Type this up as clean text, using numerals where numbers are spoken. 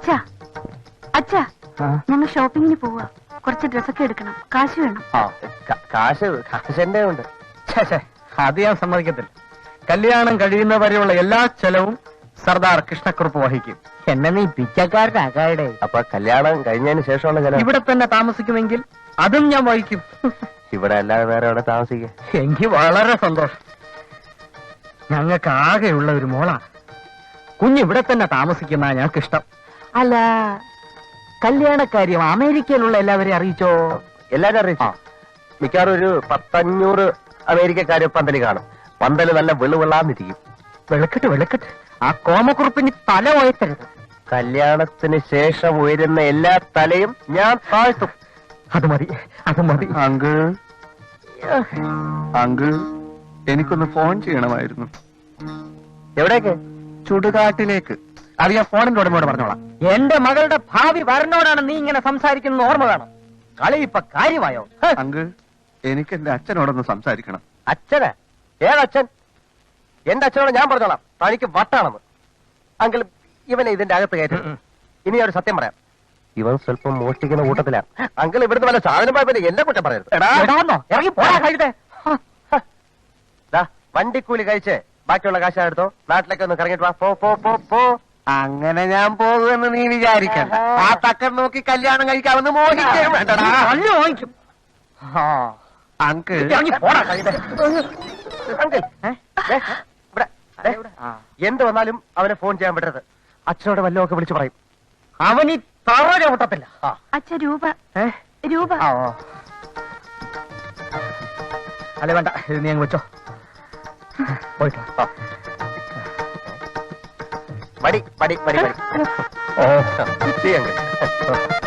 അച്ഛാ അച്ഛാ, ഞങ്ങൾ ഷോപ്പിങ്ങിന് പോവാ. കുറച്ച് ഡ്രസ്സൊക്കെ എടുക്കണം. കാശ് വേണം. കാശ് എന്റെ ഉണ്ട്. അത് ഞാൻ സമ്മതിക്കത്തില്ല. കല്യാണം കഴിയുന്നവരെയുള്ള എല്ലാ ചെലവും സർദാർ കൃഷ്ണക്കുറുപ്പ് വഹിക്കും. എന്നെ നീ പിച്ചക്കാരനാകാടെ. അപ്പൊ കല്യാണം കഴിഞ്ഞതിന് ശേഷമുള്ള ചെലവ് ഇവിടെ തന്നെ താമസിക്കുമെങ്കിൽ അതും ഞാൻ വഹിക്കും. ഇവിടെ അല്ലാതെ വേറെ എവിടെ താമസിക്കുക? എനിക്ക് വളരെ സന്തോഷം. ഞങ്ങൾക്ക് ആകെയുള്ള ഒരു മോളാ. കുഞ്ഞിവിടെ തന്നെ താമസിക്കുന്ന ഞങ്ങൾക്ക് ഇഷ്ടം. അല്ല, കല്യാണക്കാര്യം അമേരിക്കയിലുള്ള എല്ലാവരെയും അറിയിച്ചോ? എല്ലാരും അറിയിച്ചു. മിക്കവാറും ഒരു 100-500 അമേരിക്കക്കാര് പന്തല് കാണും. പന്തല് നല്ല വെളുവെള്ളാന്നിരിക്കും. വെളുക്കട്ട് ആ കോമക്കുറുപ്പിന് തല ഉയർത്തരുത്. കല്യാണത്തിന് ശേഷം ഉയരുന്ന എല്ലാ തലയും ഞാൻ താഴ്ത്തും. അത് മതി. അങ്കിൾ എനിക്കൊന്ന് ഫോൺ ചെയ്യണമായിരുന്നു. എവിടേക്ക്? ചുടുകാട്ടിലേക്ക്. അത് ഞാൻ ഫോണിന്റെ ഉടമയോട് പറഞ്ഞോളാം. എന്റെ മകളുടെ ഭാവി വരനോടാണ് നീ ഇങ്ങനെ സംസാരിക്കുന്ന ഓർമ്മ വേണം. കളി ഇപ്പൊ കാര്യമായോ? അങ്കിൾ എനിക്ക് എന്റെ അച്ഛനോടൊന്ന് സംസാരിക്കണം. അച്ഛനാ? ഏതച്ഛൻ? എന്റെ അച്ഛനോട് ഞാൻ പറഞ്ഞോളാം തനിക്ക് വട്ടാണെന്ന്. അങ്കിൾ ഇവനെ ഇതിന്റെ അകത്ത് കയറ്റി. ഇനി ഒരു സത്യം പറയാം, ഇവൻ സ്വല്പം മോഷ്ടിക്കുന്ന കൂട്ടത്തിലാണ്. അങ്കിൾ ഇവിടുന്ന് വല്ല സാധനം പോയപ്പോ എന്നെ കുറ്റം പറയരുത്. ഇറങ്ങി പോരാ കഴുതേ. വണ്ടിക്കൂലി കഴിച്ച് ബാക്കിയുള്ള കാശ് എടുത്തോ. നാട്ടിലേക്ക് ഒന്ന് കറങ്ങിട്ട് വാ. പോ. അങ്ങനെ ഞാൻ പോകുമെന്ന് നീ വിചാരിക്കണ്ട. ആ തക്കൻ നോക്കി കല്യാണം കഴിക്കാമെന്ന് മോഹിക്കുകയും വേണ്ടടാ. വാങ്ങിക്കും. അങ്കിൾ ഇറങ്ങി പോരാ കഴുതേ. അങ്കിൾ എന്ത് വന്നാലും അവനെ ഫോൺ ചെയ്യാൻ വിടരുത്. അച്ഛനോട് വല്ലതൊക്കെ വിളിച്ചു പറയും. അവൻ ഈ തറ ചവിട്ടത്തില്ല. അച്ഛ രൂപ. അല്ല വേണ്ട, ഇത് നീ അങ്ങ് വെച്ചോ. പോയിട്ടോ. മടി. ഓ ചെയ്യാൻ